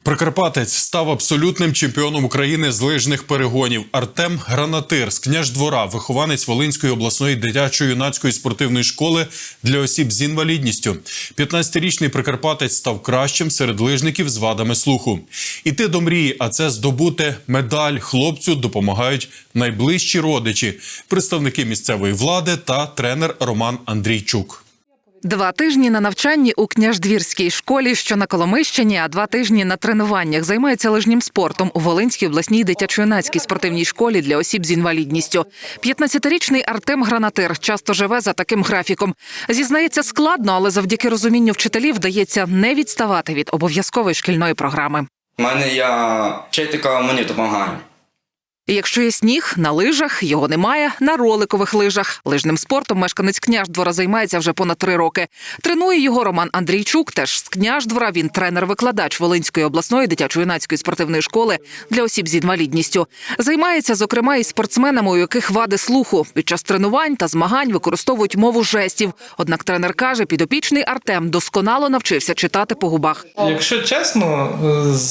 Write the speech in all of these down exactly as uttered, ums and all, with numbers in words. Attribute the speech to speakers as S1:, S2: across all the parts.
S1: Прикарпатець став абсолютним чемпіоном України з лижних перегонів. Артем Гранатир з Княждвора, вихованець Волинської обласної дитячо-юнацької спортивної школи для осіб з інвалідністю. п'ятнадцятирічний прикарпатець став кращим серед лижників з вадами слуху. Іти до мрії, а це здобути медаль хлопцю допомагають найближчі родичі, представники місцевої влади та тренер Роман Андрійчук.
S2: Два тижні на навчанні у Княждвірській школі, що на Коломийщині, а два тижні на тренуваннях. Займається лижним спортом у Волинській обласній дитячо-юнацькій спортивній школі для осіб з інвалідністю. п'ятнадцятирічний Артем Гранатир часто живе за таким графіком. Зізнається, складно, але завдяки розумінню вчителів вдається не відставати від обов'язкової шкільної програми.
S3: У мене є вчителька, мені допомагає.
S2: І якщо є сніг, на лижах, його немає, на роликових лижах. Лижним спортом мешканець Княждвора займається вже понад три роки. Тренує його Роман Андрійчук, теж з Княждвора. Він тренер-викладач Волинської обласної дитячо-юнацької спортивної школи для осіб з інвалідністю. Займається, зокрема, і спортсменами, у яких вади слуху. Під час тренувань та змагань використовують мову жестів. Однак тренер каже, підопічний Артем досконало навчився читати по губах.
S4: Якщо чесно,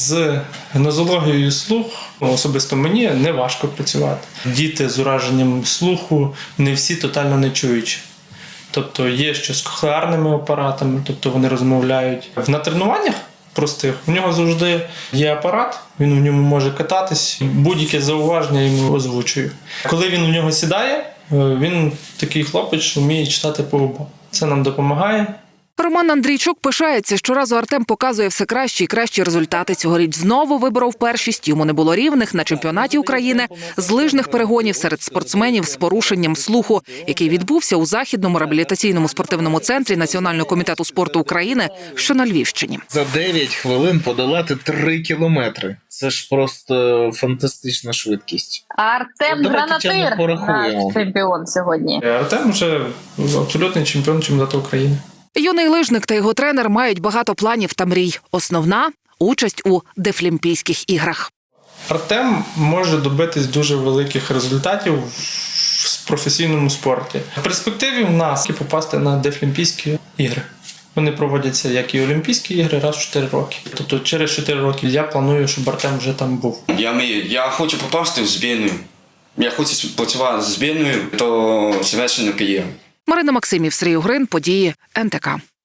S4: з нозологією слух особисто мені не важко працювати. Діти з ураженням слуху не всі тотально не чуючі. Тобто є що з кохлеарними апаратами, тобто вони розмовляють. На тренуваннях простих у нього завжди є апарат, він в ньому може кататись, будь-яке зауваження йому озвучую. Коли він в нього сідає, він такий хлопець, що вміє читати по губах. Це нам допомагає.
S2: Роман Андрійчук пишається, щоразу Артем показує все кращі і кращі результати. Цьогоріч знову виборов першість. Йому не було рівних на чемпіонаті України з лижних перегонів серед спортсменів з порушенням слуху, який відбувся у Західному реабілітаційному спортивному центрі Національного комітету спорту України, що на Львівщині.
S5: За дев'ять хвилин подолати три кілометри. Це ж просто фантастична швидкість.
S6: Артем Гранатир наш чемпіон сьогодні.
S4: Артем вже абсолютний чемпіон чемпіонату України.
S2: Юний лижник та його тренер мають багато планів та мрій. Основна – участь у Дефлімпійських іграх.
S4: Артем може добитись дуже великих результатів в професійному спорті. В перспективі в нас попасти на Дефлімпійські ігри. Вони проводяться, як і Олімпійські ігри, раз в чотири роки. Тобто через чотири роки я планую, щоб Артем вже там був.
S3: Я мрію, я хочу попасти в збірну. Я хочу працювати з збірною до завершення кар'єри.
S2: Марина Максимів, Сергій Угрин, події ен те ка.